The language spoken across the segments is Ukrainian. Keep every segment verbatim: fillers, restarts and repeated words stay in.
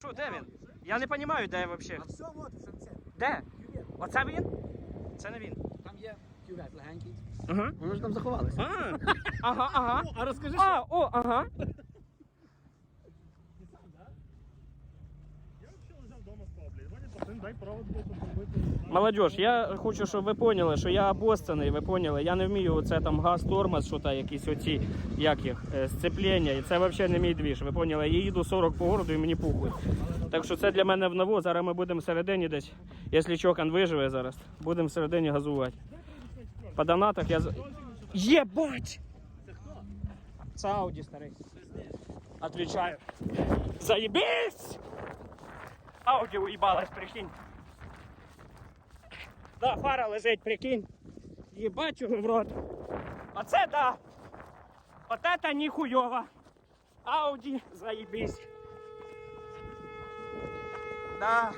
Що, де він? Я не розумію, де взагалі. А все, от, в шанці. Де? Кювет. Оце він? Це не він. Там є кювет легенький. Угу. Воно ж там заховалося. А, ага, ага. А розкажи, А, о, ага. Молодіж, я хочу, щоб ви поняли, що я обостаний, ви поняли, я не вмію оце там газ, тормоз, що та якісь оці, як їх, е, сцеплення, і це взагалі не мій двіж, ви поняли, я їду сорок по городу і мені похуй. Так що це для мене в ново, зараз ми будемо всередині десь, якщо Чокан виживе зараз, будемо всередині газувати. По донатах я... з- Єбать! Це Ауді старий. Отвечаю. Заебись! Ауді уїбалась, прикинь. Да, фара лежить, прикинь. Єбать його в рот. Оце да. От это ніхуйово. Ауді, заебись. Да.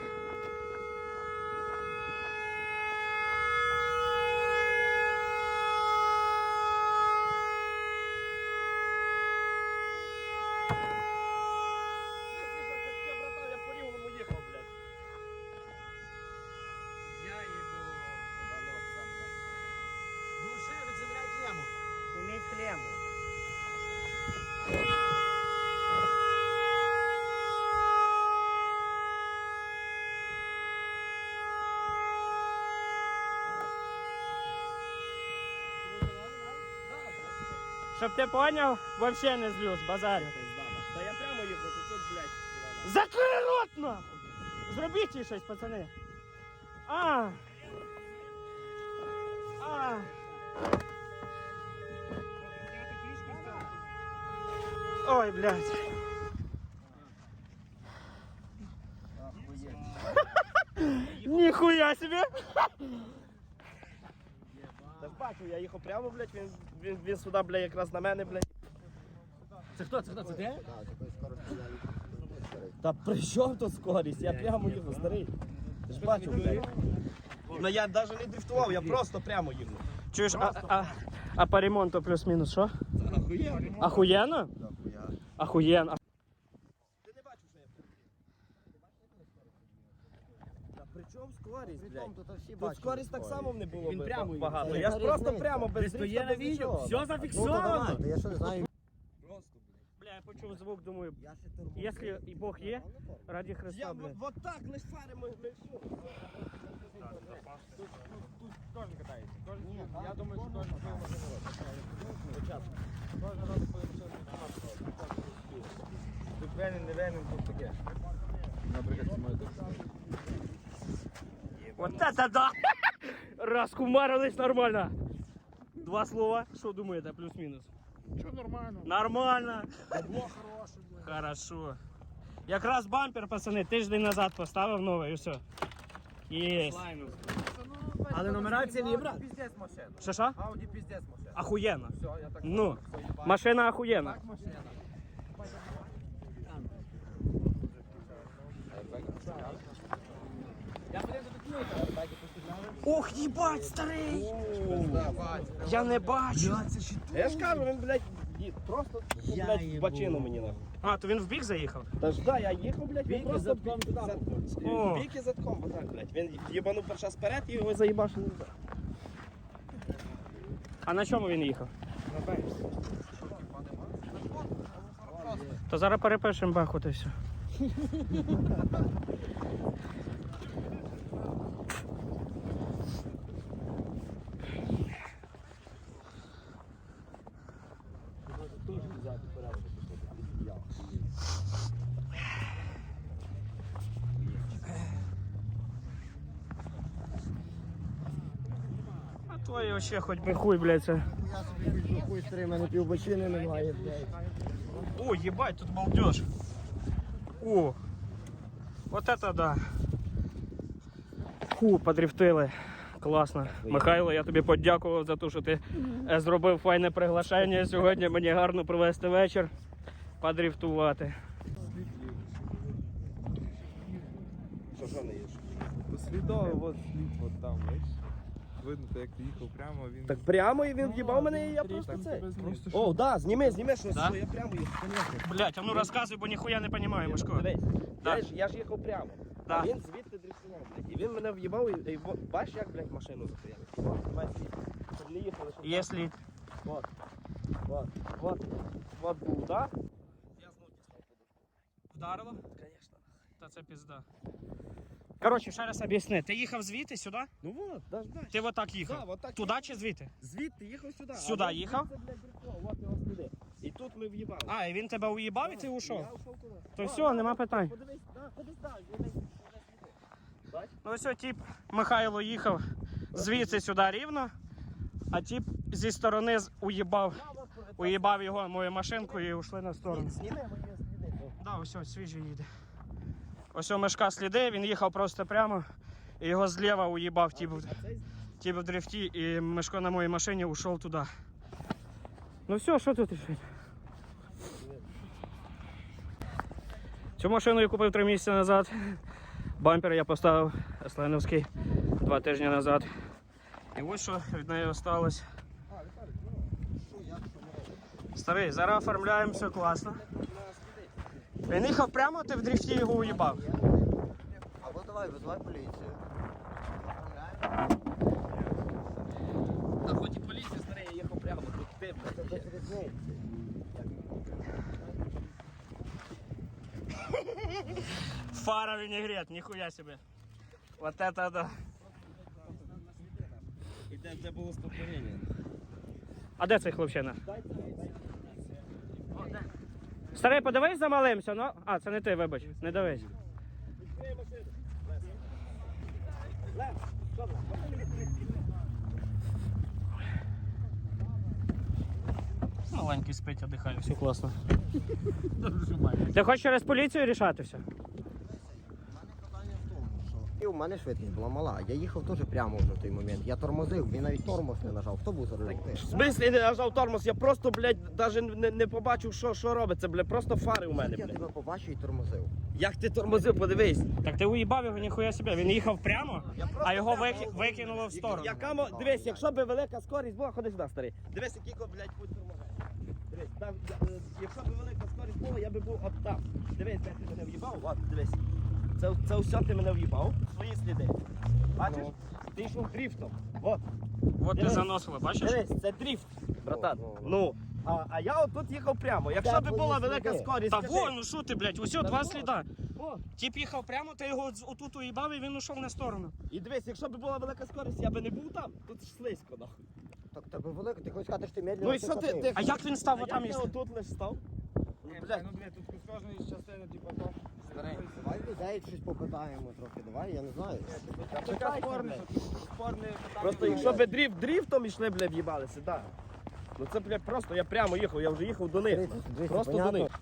Клему. Щоб ти поняв, вообще не злюсь, базарю. Та я прямо їхав, тут, блядь. Закрий рот нахуй! Зробіть їй щось, пацани. А. А. Ой, блядь. Ніхуя себе! Та ж бачу, я їхав прямо, блядь, він, він, він сюди, блядь, якраз на мене, блядь. Це хто? Це хто? Це ти? Та при чому тут скорість? Я прямо їхав, старий. Ти ж бачу, блядь. Ну я навіть не дрифтував, я просто прямо їхав. Чуєш, а, а, а по ремонту плюс-мінус що? Ахуєнно. Ахуєнно? Ахуєнно. Ти не бачив, що я Та при чому скорість, блядь? Тут скорість так само не було Він би прямо багато. їхав. Я ж просто прямо без Десь то є дрифта, на без відео. нічого. Все зафіксовано. Я що не знаю. Просто, блядь. Бля, я почув звук, думаю, якщо і Бог є, раді Я Христа, вот, блядь. вот так лиш фари ми, ми все. Я думаю, що кожен своє Тут венен, не венен, тут таке. Вот это да! Раскумарились нормально. Два слова. Що думаєте, плюс-мінус? Що нормально? Нормально. Бабло хороше, блядь. Хорошо. Якраз бампер, пацани, тиждень назад поставив новий і все. Єсть. Але нумерація не брат. Піздець машина. Що що? Ауді піздець машина. Ахуєнно. Все, я так Ну, машина ахуєнна. машина. Я подивився до кнопки, так і постійно. Ох, їбать, старий! Я не бачу. Я ж кажу, він, блядь, ї- просто, ну, блядь, в бачину мені нахуй. А, то він в бік заїхав? Та ж да, я їхав, блядь, він Бік і просто задком туди. за- О. бік і задком, отак, блядь. Він їбанув перша сперед і його заїбашив. А на чому він їхав? То зараз перепишемо баху, то все. А твоє ще хоч би хуй, блядь, це. Я собі візьму хуй старий, в мене півбочини немає, блядь. О, ебать, тут балдеж. О, вот это да. Фу, подрифтили. Класно. Михайло, я тобі подякував за те, що ти е, зробив файне приглашення сьогодні. Мені гарно провести вечір, подрифтувати. Що, що не їш? Послідовий, от слід, от там, бачиш. видно, то як ти їхав прямо, він... Так прямо і він в'їбав мене, і я просто Так, це. тебе просто О, да, зніми, зніми, що, Да? що я прямо їхав, конечно. Блять, а ну розказуй, бо ніхуя не розумію, Мишко. Дивись, Да. я, ж, я ж їхав прямо. Да. А він звідти дрифтував, блядь. І він мене в'їбав, і, і во- бачиш, як, блядь, машину зупиняли. От, знімай світ. Щоб не їхали, щоб... Якщо... Вот, вот, вот, вот був удар. Я знов дістав подушку. Вдарило? Конечно. Та це пізда. Коротше, ще раз об'ясни. Ти їхав звідти сюди? Ну вот, даже далі. Ти отак їхав? Да, отак Туди чи звідти? Звідти їхав сюди. Сюди а він їхав? звідси, блядь, дрифтував, от його сліди. І тут ми в'їбали. А, і він тебе уїбав і ти ушов? Я ушов туди. То все, нема питань. Подивись, да, подивись далі, дивись, дивись, сліди. Ну все, тип Михайло їхав звідси сюди рівно, а тип зі сторони з- уїбав, уїбав його мою машинку і ушли на сторону. Зніми мої сліди. Да, ось ось, свіжий їде. Ось у Мишка сліди, він їхав просто прямо, і його зліва уїбав тип, в- А цей тип в дрифті, і Мишко на моїй машині ушов туди. Ну все, що тут рішити? Цю машину я купив три місяці назад. Бампер я поставив Есленовський два тижні назад. І ось що від неї осталось. Старий, зараз оформляємо, все класно. Він їхав прямо, ти в дрифті його уїбав. Або давай, визивай поліцію. Та хоч і поліція, старий, я їхав прямо, тут ти, блядь. Це без різниці. Фара винегрет, ніхуя себе. Вот это да. І де, де було стовпоріння? А де цей хлопчина? Старий, подивись за малимся, ну. А, це не ти, вибач, не дивись. Маленький спить, одихає, все класно. Ти хочеш через поліцію рішати все? І у мене швидкість була мала. Я їхав теж прямо вже в той момент. Я тормозив, він навіть тормоз не нажав. Хто був за рулем? В смислі не нажав тормоз, я просто, блядь, навіть не, не побачив, що, що робиться, блядь, просто фари у мене, Я блядь. тебе побачив і тормозив. Як ти тормозив, подивись. Так ти уїбав його, ніхуя себе. Він їхав прямо, а його вики... викинуло в сторону. Яка, мо- дивись, якщо б велика скорість була, ходи сюди, старий. Дивись, який, блядь, путь тормозив. Дивись, там, я- е, якщо б велика скорість була, я би був от там. Дивись, де ти мене в'їбав, от, дивись. Це, це все ти мене в'їбав, свої сліди. Бачиш? Ти йшов дрифтом. От. От ти Дивись. заносило, бачиш? Дивись, це дрифт, братан. О, о, о. Ну, а, а я отут їхав прямо. Якщо б твої була велика сліди. скорість, Та скажи. вон, ну що ти, блядь, усьо два ну, сліда. О, Тіп їхав прямо, ти його з- отут уїбав і він ушов на сторону. і дивись, якщо б була велика скорість, я би не був там. Тут ж слизько, нахуй. Так тебе велика, ти хочеш сказати, що ти медленно Ну і що ти, ти... А як він став А отам, як я якщо? отут лиш став? Ну, Блядь, блядь, ну блядь, тут з кожної частини, типу, то старий. Давай людей щось попитаємо трохи, давай, я не знаю. Така спорна, що тут спорне питання. просто якщо б дрифт дрифтом йшли, блядь, в'їбалися, да. Ну це, блядь, просто я прямо їхав, я вже їхав до них. Дивіться, дивіться, Просто до понятно. них.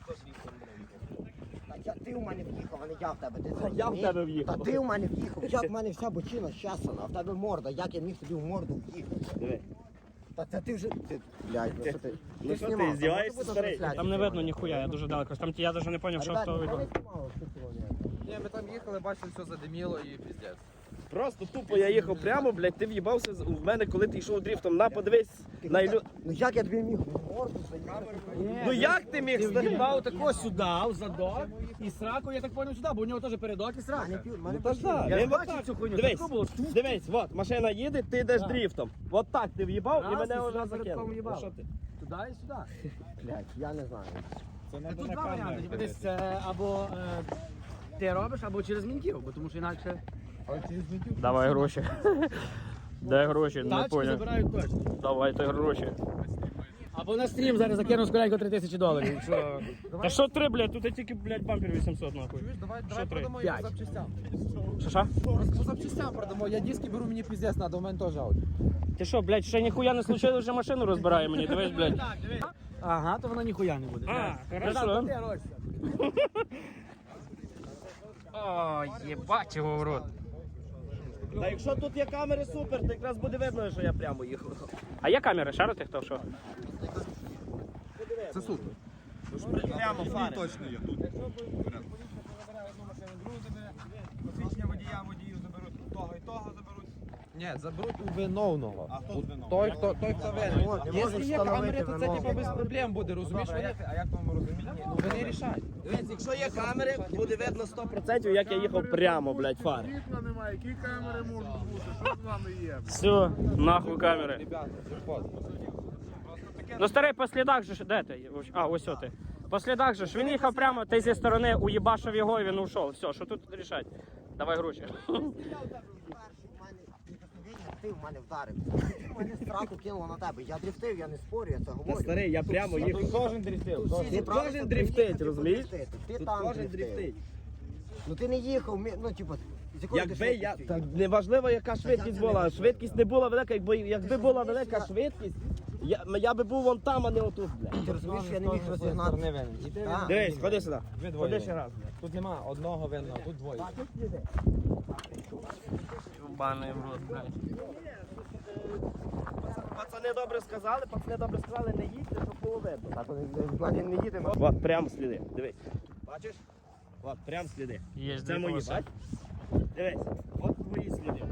Та я, ти у мене в'їхав, а не я в тебе. Ти Та я в розумієш? тебе в'їхав. Та ти у мене в'їхав. Як в мене вся бочина щасана, а в тебе морда, як я міг тобі в морду в'їхати? Диви. Та це ти вже... Ти, блядь, ну що ти? Ну що ти, знімав, здіваєшся, там може бути старий? трансляція Там не видно знімати. ніхуя, я дуже далеко. Там я навіть не зрозумів, що Ребят, хто ніхто не вибрав. знімав, що цього ні. Ні, ми там їхали, бачили, все задиміло і піздець. Просто тупо я їхав прямо, блядь, ти в'їбався з- в мене, коли ти йшов дрифтом. На, подивись на ілю... Ну як я тобі міг в морду заїхати? Ну як ти міг старий? В'їбав тако сюди, в задок, і сраку, я так поняв, сюди, бо у нього теж передок і срака. Ну та ж да, Я він ж бачив отак. цю хуйню, Дивись, тако було. дивись, от, машина їде, ти йдеш дрифтом. От так ти в'їбав і Раз, мене і вже сюди передком закинув. в'їбав. Ну, що ти? Туди і сюди. Блядь, я не знаю. Тут два варіанти, типу, десь це або е, ти робиш, або через мінків, бо тому що інакше Давай гроші. Де гроші? Не тачки поняв. забирають точно. Давайте гроші. Або на стрім зараз закину скоренько три тисячі доларів. Що? Та що три, блядь, тут тільки, блядь, бампер вісімсот нахуй. Давай, давай продамо його запчастям. Що що? По запчастям продамо, я диски беру, мені піздець надо, у мене теж ауді. Ти що, блядь, ще ніхуя не случилось, вже машину розбирає мені, дивись, блядь. Ага, то вона ніхуя не буде. А, Братан, хорошо. ти гроші. О, єбать його в рот. Та якщо тут є камери, супер, то якраз буде видно, що я прямо їхав. А є камери, шарити хто що? Це супер. Прямо фари. Точно є тут. Посвідчення водія, водію заберуть, того і того заберуть. Ні, заберуть у виновного. А хто У- виновний? Той, хто, той, хто винен. можеш Якщо є встановити камери, то це виновного. типу без проблем буде, розумієш? Добре, Вони, а як вам розуміти? Ну вони рішають. Дивись, якщо є камери, буде видно сто відсотків, як я їхав прямо, блядь, фари. Світла немає, які камери можуть бути? Що з вами є? Все, нахуй камери. Ребята, джекпот. Ну старий, по слідах же ж, де ти? А, ось о ти. По слідах же ж, він їхав прямо, ти зі сторони уїбашив його і він ушов. Все, що тут рішать? Давай гроші. Ти в мене вдарив. Ти в мене страху кинуло на тебе. Я дрифтив, я не спорю, я це говорю. Старий, я прямо їхав. Кожен дрифтив. Тут кожен дрифтить, розумієш? Ти Тут там кожен дрифтив. дрифтить. Ну ти не їхав, мі- ну типу, з якої ти Якби я. швидкістю Так їхав? неважливо, яка швидкість була. Швидкість не була велика, якби якби була велика швидкість, я, я би був вон там, а не отут, блядь. Ти розумієш, що я не міг розігнати. Так. Дивись, ходи сюди. Ви двоє Ходи винні. ще раз. Тут нема одного винного, тут двоє. Баний в рот, блядь. Пацани добре сказали, пацани добре сказали, не їдьте, щоб було видно. Так, в мене не їдемо. От прям сліди. Дивись. Бачиш? От прям сліди. Є Це мої, полоси. бач? Дивись, от твої сліди.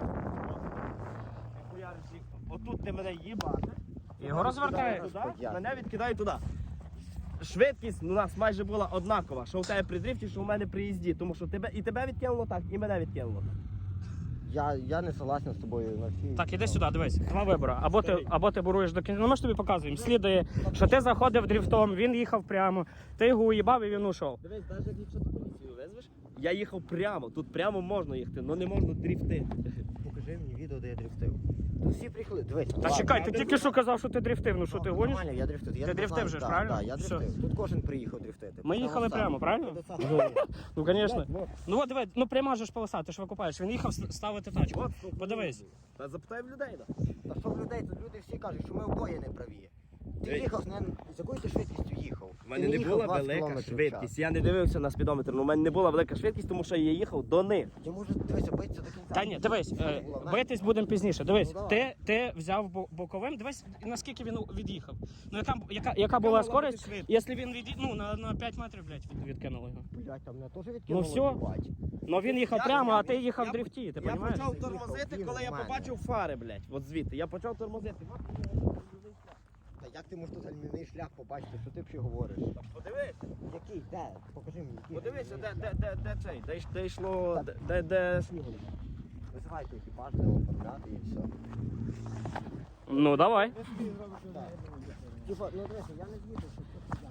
Отут ти мене їбаш. Його розвертає. Туди, мене відкидає туди. Швидкість у нас майже була однакова, що у тебе при дрифті, що у мене при їзді, тому що тебе і тебе відкинуло так, і мене відкинуло. Я, я не согласен з тобою на всі. Так, іди сюди, дивись, два вибори. Або ти, або ти буруєш до кінця. Ну ми ж тобі показуємо. Слідує, що ти заходив дрифтом, він їхав прямо, ти його уїбав і він ушов. Дивись, навіть якщо ти поліцію визвеш, я їхав прямо, тут прямо можна їхати, але не можна дрифти. Покажи мені відео, де я дрифтив. Тут всі приїхали. Дивись. Та чекай, ти тільки що казав, що ти дрифтив, ну що ти гониш? Нормально, я дрифтив. Я Ти не дрифтив знаю, же ж, да, правильно? Да, я Все. дрифтив. Тут кожен приїхав дрифтити. Ми Прямо їхали сам. прямо, правильно? Ти сам. Ну, звісно. Ну от диви, ну пряма же ж полоса, ти ж викупаєш. Він їхав с- ставити тачку. Подивись. Та запитай в людей, да. Та що в людей, тут люди всі кажуть, що ми обоє не праві. Ти Ей. їхав, не, з якою ти швидкістю їхав? У мене Ти не їхав була двадцять велика кілометрів в швидкість. час. Я не дивився на спідометр, але у мене не була велика швидкість, тому що я їхав до них. Я можу дивися, битися до кінця. Та ні, дивись, е, Була, знаєш. битись будемо пізніше. Дивись, Ну, ти, давай. ти взяв бо- боковим, дивись, наскільки він від'їхав. Ну яка, яка, яка була могла скорість, бути швидкість? якщо він від, ну, на, на п'ять метрів, блядь, від, відкинули його. Блядь, там мене теж відкинуло. Ну, всьо. їбать. Ну він їхав Я- прямо, я- а ти їхав я- в дрифті, ти Я розумієш? почав Їхав, тормозити, він коли я у мене. побачив фари, блядь. От звідти. Я почав тормозити. Та як ти можеш тут гальмівний шлях побачити, що ти взагалі говориш? Подивись, Який? Де? Покажи мені, який. подивися, де, гальмівний де, де, де цей, де, йш- де йшло, де, де, де снігу. шлях? Визивайте екіпаж, де оформляти і все. Ну давай. Типа, ну дивися, я не з'їду, що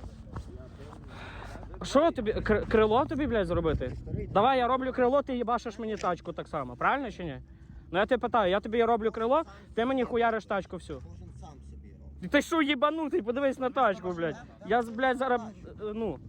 це Що тобі, кр- крило тобі, блядь, зробити? Давай я роблю крило, ти їбашиш мені тачку так само, правильно чи ні? Ну я тебе питаю, я тобі роблю крило, ти мені хуяриш тачку всю. кожен сам собі робить. Ти що їбанутий, подивись на тачку, блядь. Я, блядь, зараз, е, ну.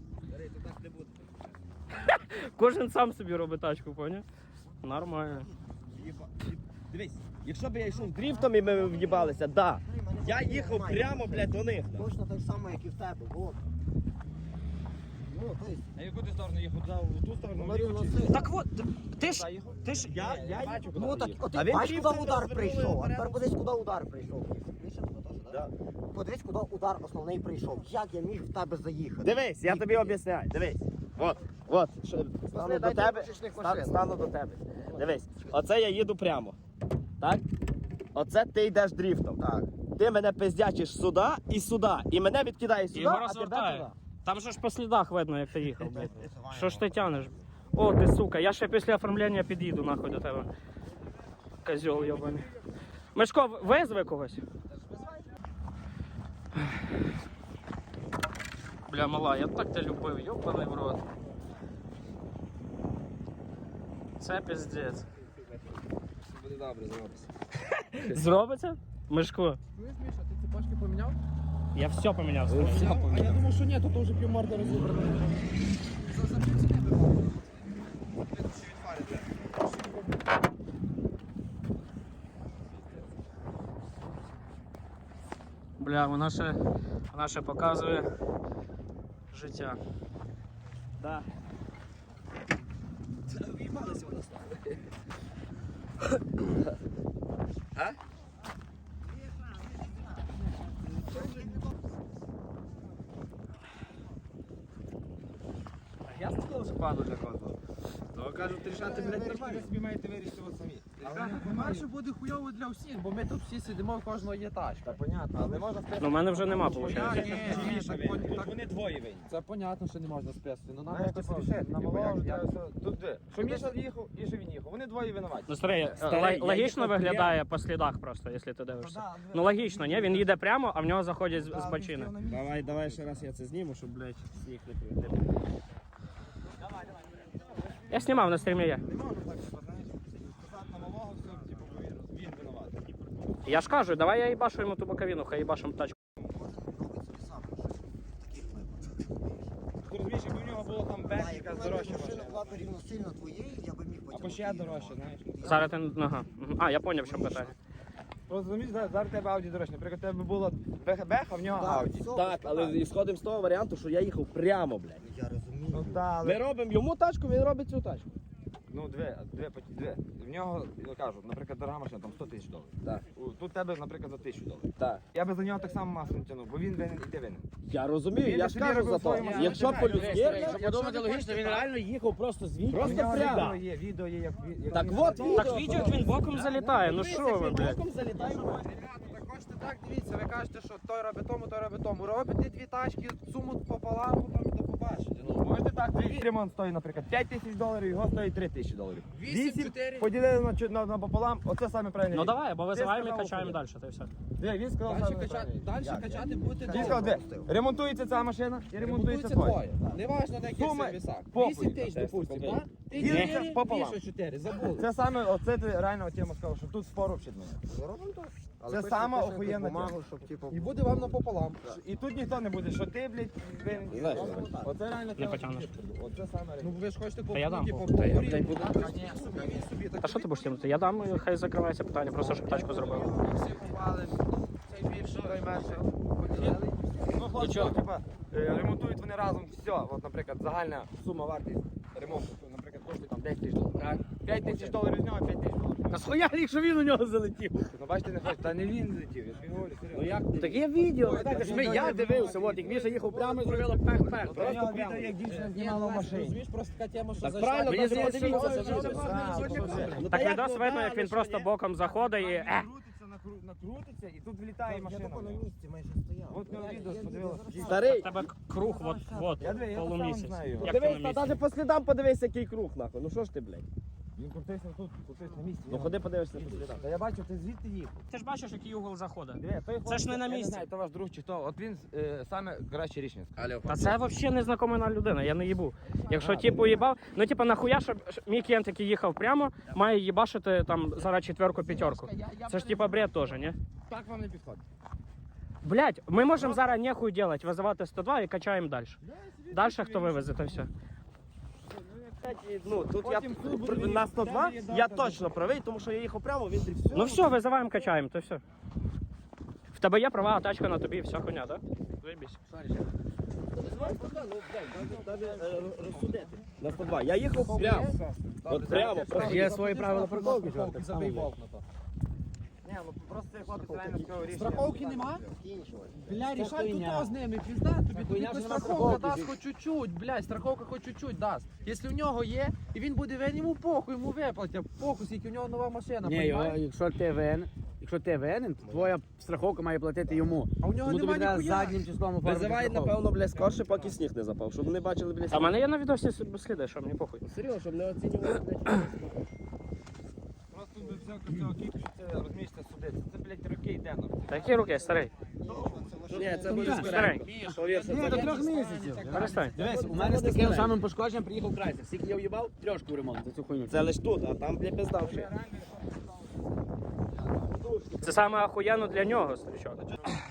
Кожен сам собі робить тачку, поняв? Нормально. Дивись, якщо б я йшов дріфтом і ми в'їбалися, да. Я їхав прямо, блядь, до них. да. Точно так само, як і в тебе, вот. Ну, то есть, А яку ти сторону їхав? В ту сторону? говорив на це. Так от, ти ж, ти ж, Я, я бачу, Ну так, от А ти він бачиш, дріфтом куди удар розвернули прийшов, а вперед. тепер подивись, куди удар прийшов. Більше туди теж, Да. так? Подивись, куди удар основний прийшов. Як я міг в тебе заїхати? Дивись, я тобі об'ясняю, дивись. От, от, що, стану до дайте тебе, ручечних ста- машин. стану до тебе. Дивись, оце я їду прямо. Так? Оце ти йдеш дріфтом. Так. Ти мене пиздячиш сюди і сюди. І мене відкидає сюди, його а тебе розвертає. туди. Там же ж по слідах видно, як ти їхав, блядь. Що ж ти тянеш? О, ти сука, я ще після оформлення під'їду нахуй до тебе. Козьол йобаний. Мишко, визви когось? Бля, мала, я так тебе любив, йобаний в рот. Це піздець. Буде добре, зробиться. Зробиться? Мишко, Чуєш, Міша, ти цепочки поміняв? я все поміняв. А я думав, що ні, то вже півморда розібрано. Бля, вона ще, вона ще показує життя. Да. А? Я сказав, що паду для кого. Так. кажуть, рішати, блядь, нормально. собі маєте вирішити от самі. По-перше, буде хуйово для всіх, бо ми тут всі сидимо, в кожного є тачка. Та понятно, але не можна списати. Ну, в мене вже нема, Я, виходить. ні, ні, так, Тут так, вони двоє винні. це понятно, що не можна списати. Ну нам Знаєш, якось типу, рішити. на типу, малого як- вже як- треба все. Тут де? Що Міша їхав і що він їхав. Вони двоє винуваті. Ну, старий, Старий, л- я логічно їхав виглядає по слідах просто, якщо ти дивишся. Ну, логічно, ні? Він їде прямо, а в нього заходять з, з бочини. Давай, давай ще раз я це зніму, щоб, блядь, їх не прийти. Я знімав на стрімі є. Не можна так, типу, знаєш, сказати на малого, все, типу, повір, він винуватий. Я ж кажу, давай я їбашу йому ту боковину, хай їбашим тачку. Ти розумієш, якби в нього було там бек, якась дорожча Машина машина. була б рівноцільно твоєї, я би міг потім. Або ще дорожча, знаєш. Зараз ти, ага. Мгм. А, я зрозумів, що питання. Просто розумієш, зараз зараз в тебе Ауді дорожча. Наприклад, у тебе було бех, а в нього Так, Ауді. все, Так, але так. ісходимо з того варіанту, що я їхав прямо, блядь. Я розумію. Ну так, Ми але... робимо йому тачку, він робить цю тачку. Ну, дві, дві, дві. В нього, я кажу, наприклад, дорога машина, там сто тисяч доларів. Так. У- Тут тебе, наприклад, за тисячу доларів. Так. Я би за нього так само масу не тягнув, бо він винен і ти винен. Я розумію, Він я ж собі кажу робив за то. свою машину. Якщо Ні, по-людськи, Якщо подумати логічно, він реально їхав просто звідти. Просто В нього прямо. відео є, відео є, як... як Так він от, залетів. Так відео, як він боком залітає, ну що ви, блядь. боком залітаємо. Ребята, так хочете так, дивіться, ви кажете, що той робить тому, той робить тому. Робите дві тачки, суму пополам, потім і до побачите. Ну, Можете так, твій ремонт стоїть, наприклад, п'ять тисяч доларів, його стоїть три тисячі доларів. Вісім, чотири. поділили на, чо- на, на пополам, оце саме правильне. Ну рішення. давай, бо Ти визиваємо і сказав, качаємо що- далі, та й все. Диви, він сказав Далі саме качати, правильне. далі Як? качати будете Він сказав, двоє. де? Ремонтується ця машина і ремонтується твоя. двоє. Неважно на яких Суми сервісах. похуй. Вісім тисяч, допустимо, так? Ти Ні, чотири, пополам. більше чотири, забули. Це саме, оце ти реально тема сказав, що тут спору взагалі немає. Робимо так. Але Це пишемо- сама пишемо охуєнна бумагу, тема. щоб типу. І буде вам напополам. І тут ніхто не буде, що ти, блядь, винен. Знаєш, Оце реально Не тема. потягнеш. Оце саме Ну ви ж хочете по Та я дам. по Та я, повторі. блядь, буду. Ні, собі, він собі. Так Та що ти будеш тягнути? Я дам, і хай закривається питання, просто щоб тачку зробив. всі попали, цей більший, той менший. Поділили. Ну, хлопці, типа, е, ремонтують вони разом все. От, наприклад, загальна сума вартість ремонту, наприклад, коштує там десять тисяч доларів. п'ять тисяч доларів з нього, п'ять тисяч доларів. Та схуя рік, що він у нього залетів. Ну, бачите, не хочете, та не він летів, я тобі говорю, серйозно. Ну як? Так є відео, так, ж ми, я дивився, от, як Міша їхав прямо і зробила пех-пех. Просто Просто відео, прямо. як дівчина Ні, знімала в ну, машині. розумієш, просто така тема, що Так зайшла. правильно, Мені так здається, дивіться, що- це відео. Так відос видно, як він просто боком заходить і е. Накрутиться, накру- накрутиться, і тут влітає машина. Я тако на місці майже стояв. От на відео подивилася. У Старий, тебе круг, от, от, Я диви, я сам полумісяць. знаю його. Як ти на дивись, та місці? навіть по слідам подивись, який круг, нахуй. Ну що ж ти, блядь? Він крутився тут, крутився на місці. Ну ходи подивишся по слідам. Та я бачу, ти звідти їхав. Ти ж бачиш, який угол заходить. Диви, той хлопець, ж не на я місці. знаю, то ваш друг чи хто. От він е, саме краще рішення сказав. Та це взагалі незнакома нам людина, я не їбу. Якщо типу їбав, ну типу нахуя, щоб мій клієнт, який їхав прямо, має їбашити там зараз четверку, п'ятерку. Це ж типа бред теж, ні? Так вам не підходить. Блять, ми можемо зараз нехуй делать, визивати сто два і качаємо далі. Далі хто вивезе, то все. Ну, тут я Потім суд при- буде на сто два відповідати, я так, точно правий, тому що я їхав прямо, він дрифт. Ну все, визиваємо, качаємо, то все. В тебе є права, а тачка на тобі, все хуйня, так? Заєбісь. Розсудити. На сто два. Я їхав прямо. От прямо. Є свої правила парковки, Страховки, забий болт на то. Ні, ну просто цей хлопець реально сказав рішення. Страховки нема? Кінчили. Бля, рішай тут з ними, пізда тобі, тобі хоч страховка дасть хоч чуть-чуть, блядь, страховка хоч чуть-чуть дасть. Якщо в нього є, і він буде винен, йому похуй, йому виплатять, похуй, скільки в нього нова машина, Ні, його, понімаєш? якщо ти винен, якщо ти винен, то твоя страховка має платити йому. А у нього Тому тобі нема треба ніхуя. заднім числом оформити Визивай, страховку. напевно, блядь, скорше, поки сніг не запав, щоб вони бачили, блядь, А в мене є на відосі сліди, що мені похуй. серйозно, щоб не оцінювали, блядь. Просто до цього, цього кіпу, що це, розумієш, це судиться. Це, блядь, роки йде нам. Та які руки, старий? Ні, це буде Старий, Повірся, Ні, це до трьох місяців. перестань. Дивись, у мене з таким самим пошкодженням приїхав Крайсер. Скільки я в'їбав? Трьошку в ремонт за цю хуйню. Це лиш тут, а там, блядь, пиздавши. Це саме охуєнно для нього, старичок.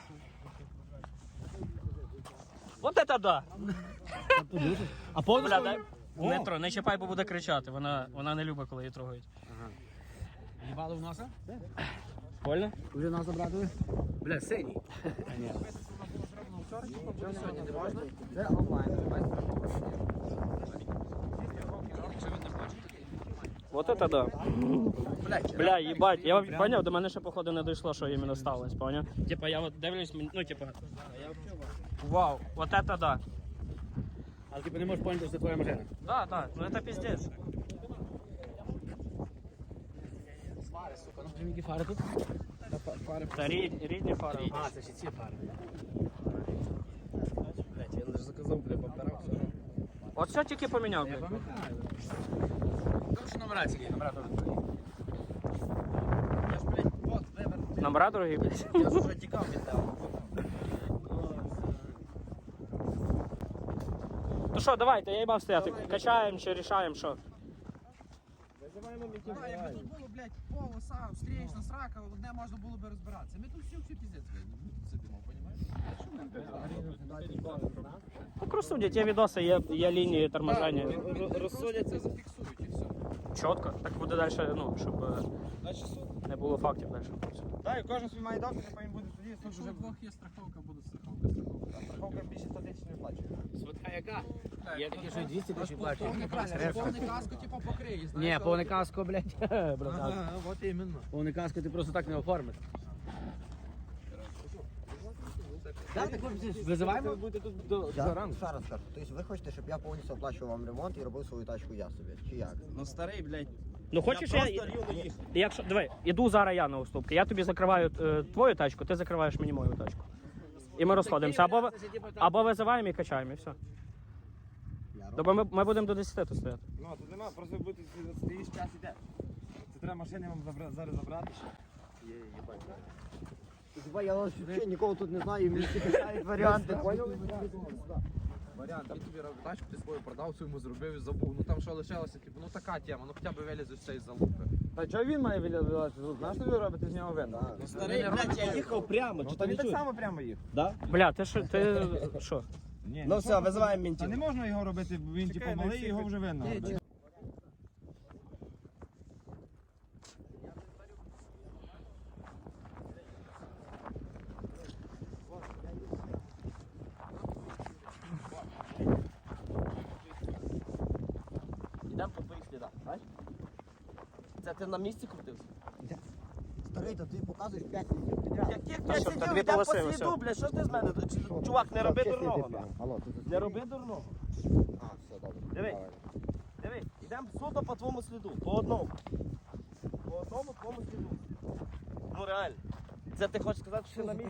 Вот это да! А повністю? Бля, дай. Не, тро, не чіпай, бо буде кричати. Вона, вона не любить, коли її трогають. Їбали в носа? Больно? Вже нас забрали? Бля, синій. Це онлайн. Вот это да. Бля, їбать, я поняв, до мене ще походу не дійшло, що іменно сталося, поняв? Типа я от дивлюсь, ну типа. Вау, вот это да. Але типу не можеш поняти, що це твоя машина. Да, да, ну это пиздец. Які фари тут? Та рід, рідні фари. А, це ще ці фари. Блять, я лише заказав, бля, повторався. От все тільки поміняв, блядь. Тому що номера ці, номера теж твої. Я ж, блядь, от вибір. Номера дорогі, блядь. Я ж вже тікав від тебе. Ну що, давайте, я їбав стояти. Качаємо чи рішаємо, що? Визиваємо мітів. А, якби тут було, блядь, полоса, встрічна, срака, одне можна було би розбиратися. Ми тут всі всі піздець, блядь, сидимо, понімаєш? Ну, розсудять, є відоси, є, є лінії торможення. Розсудяться. Зафіксують і все. Чітко. Так буде далі, ну, щоб е, не було фактів далі. Так, і кожен свій має доктор, потім буде тоді, суд Якщо вже у двох є страховка, буде страховка, страховка. страховка більше ста тисяч не виплачує. Свитка яка? Є такі, що і двісті тисяч плачуть. Повний каско, повний каско, типу, покриє, знаєш. Ні, повне каско, блядь, братан. Ага, от іменно. Повне каско ти просто так не оформиш. Так, так, визиваємо? Будете тут до Я ще раз кажу, тобто ви хочете, щоб я повністю оплачував вам ремонт і робив свою тачку я собі, чи як? Ну старий, блядь. Ну хочеш я я, просто рівно їхав. якщо диви, іду зараз я на уступки. Я тобі закриваю е, твою тачку, ти закриваєш мені мою тачку. І ми розходимося. Або, ви- або визиваємо і качаємо, і все. Тобто ми, ми будемо до десяти тут стояти. Ну, тут нема, просто бути стоїш, час іде. Це треба машини вам забра- зараз забрати ще. Хіба я взагалі нікого тут не знаю, і мені всі питають варіанти. Варіант, він тобі робить тачку, ти свою продав, свою йому зробив і забув. Ну там що лишилося, типу, ну така тема, ну хоча б виліз з цієї залупи. Та чого він має вилазити? Знаєш, що ви робите з нього вину? Ну старий, блядь, я їхав прямо. Ну, Чи то ти він не так чуєш? само прямо їх. Да? Бля, ти що, ти що? Ні, Ну все, визиваємо Та мінтів. не можна його робити, бо він типу малий, і його вже винно. Йдемо по твоїх слідах, знаєш? Це ти на місці крутився? Старий, то ти показуєш п'ять літрів підряд. Яких Та я що, сидів, та дві йдемо по полоси, сліду, все. блядь, що ти з мене? Чи- Чувак, не роби дурного. нахуй. Алло, ти Не роби дурного. А, все, добре. Диви. Диви, йдемо суто по твоєму сліду, по одному. По одному твоєму сліду. Ну реально. Це ти хочеш сказати, що ти на місці?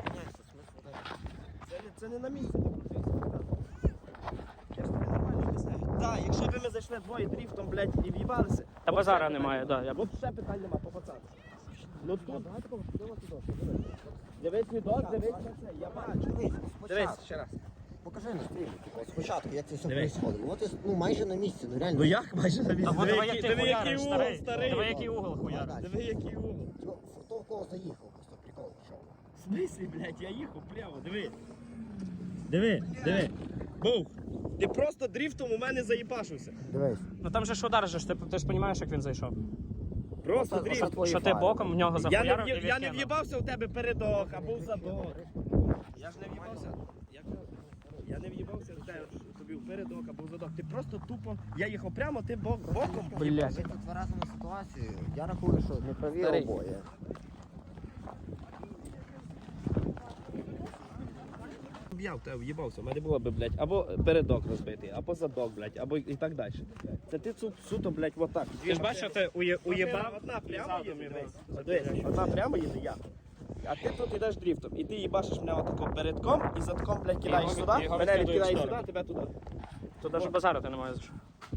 Це, не- це не на місці. ти крутився. Я ж тобі нормально об'ясняю. Так, якщо б ми зайшли двоє дріфтом, блядь, і в'їбалися. Та базара немає, да. Я... От ще питань нема, по пацану. Ну тут. Дивись відос, дивись на це, я бачу. Дивись ще раз. Покажи на стрімі, типу, спочатку, як це все происходило. От і, ну, майже на місці, ну реально. Ну як майже на місці? Або диви, як який- ти диви, який хуяриш, угол, старий. старий. Диви, який угол хуяриш. Диви, який угол. Ну, хто в кого заїхав, просто прикол пішов. В смислі, блядь, я їхав прямо, диви. Диви, диви. Бух. Ти просто дріфтом у мене заїбашився. Дивись. Ну там же ж удар же ж, ти, ти ж розумієш, як він зайшов. Просто Оце- дріфт. оце твої Що ти фари. боком в нього Я не, захуярив і в'їб- я не відкинув. в'їбався у тебе передок або в задок. Я ж не в'їбався. Як- Я не в'їбався в тебе тобі в передок або в задок. Ти просто тупо. Я їхав прямо, ти бок, боком. Блядь. Ми тут тверезимо ситуацію. Я рахую, що не праві Старий. обоє. Я в тебе в'їбався, у мене було би, блядь, або передок розбитий, або задок, блядь, або і так далі. Це ти цу- суто, блядь, отак. Ти ж бачиш, що ти ує- уєбав? Одна прямо їде, дивись. Дивись, одна прямо їде, я. А ти тут йдеш дріфтом, і ти їбашиш мене отако передком, і задком, блядь, кидаєш його- сюди, його мене відкидаєш відкидаєш в сюди, сторону. тебе туди. Тут навіть базарити немає за що.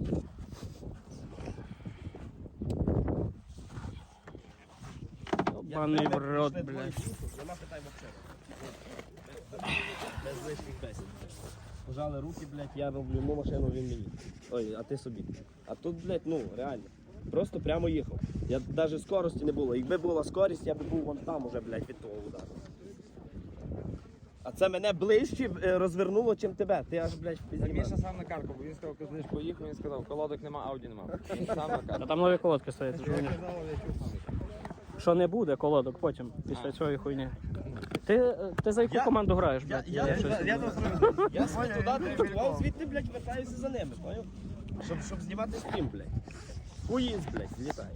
Баний в рот, Пішли двоє блядь. дріфтом, нема питань взагалі. Без лишніх бесід. Пожали руки, блядь, я роблю йому машину, він мені. Ой, а ти собі. А тут, блядь, ну, реально. Просто прямо їхав. Я навіть скорості не було. Якби була скорість, я б був вон там уже, блядь, від того удару. А це мене ближче е, розвернуло, чим тебе. Ти аж, блядь, Так пізніше. Міша сам на карку, бо він сказав, коли ж поїхав, він сказав, колодок нема, ауді нема. Він сам на карку. Та там нові колодки стоять. ти ж Я розумієш. казав, я чув сам. Що не буде колодок потім, після цієї хуйні. Ти, е, ти за яку Я- команду граєш, Я, блядь? я, Я щось- я, я, я, я собі туди дрифтував, звідти, блядь, вертаюся за ними, поняв? Щоб, щоб знімати стрім, блядь. Хуїз, блядь, злітає.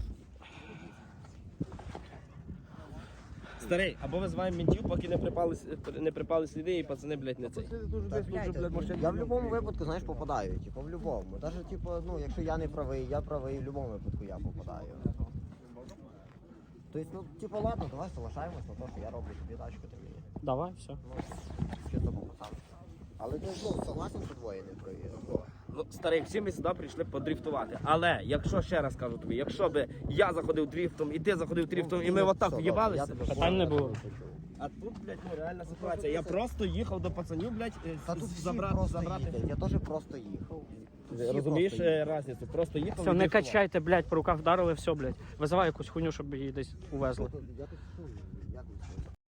Старий, або визиваємо ментів, поки не припали, с- не припали сліди і пацани, блядь, не цей. Та, блядь, я в будь-якому випадку, знаєш, попадаю. Типу, в будь-якому. Навіть, типу, ну, якщо я не правий, я правий, в будь-якому випадку я попадаю. Тобто, ну, типу, ладно, давай соглашаємось на те, що я роблю тобі тачку, ти мені. Давай, все. Ну, чисто по пацану. Але ти ну, согласен, що двоє не провірив. Ну, старий, всі ми сюди прийшли подрифтувати. Але, якщо ще раз кажу тобі, якщо би я заходив дрифтом і ти заходив дрифтом, і ми отак в'їбалися, Питань не було. а тут, блядь, ну реальна ситуація. Я просто їхав до пацанів, блядь, е, Та тут всі забрати, просто забрати. їздять, я теж просто їхав. Тут всі Розумієш просто їздять. е, разницю? Просто їхав Все, і не дрифтував. качайте, блядь, по руках вдарили, все, блядь. Визивай якусь хуйню, щоб її десь увезли. Я тут чую.